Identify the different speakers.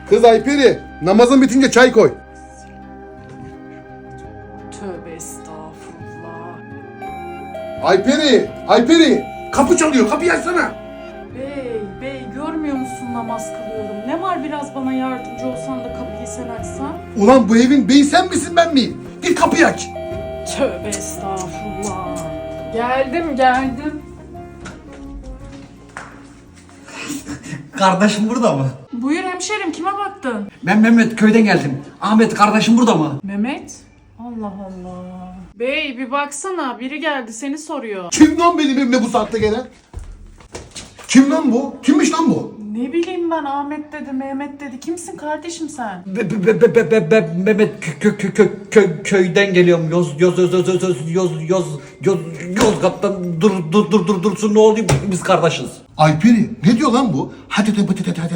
Speaker 1: Kız Ayperi, namazın bitince çay koy.
Speaker 2: Tövbe estağfurullah.
Speaker 1: Ayperi, kapı çalıyor, kapıyı açsana.
Speaker 2: Bey görmüyor musun namaz kılıyorum? Ne var biraz bana yardımcı olsan da kapıyı sen açsan?
Speaker 1: Ulan bu evin beyi sen misin ben miyim? Git kapıyı aç.
Speaker 2: Tövbe estağfurullah. Geldim.
Speaker 3: Kardeşim burada mı?
Speaker 2: Buyur hemşerim, kime baktın?
Speaker 3: Ben Mehmet, köyden geldim. Ahmet kardeşim burada mı?
Speaker 2: Mehmet? Allah Allah. Bey bir baksana, biri geldi seni soruyor.
Speaker 1: Kim lan benim evime bu saatte gelen? Kim lan bu? Kimmiş lan bu?
Speaker 2: Ne bileyim ben, Ahmet dedi, Mehmet dedi. Kimsin kardeşim sen?
Speaker 3: Mehmet köyden geliyorum. Yozgat'tan dursun ne oluyor, biz kardeşiz.
Speaker 1: Ayperi, ne diyor lan bu? Hadi.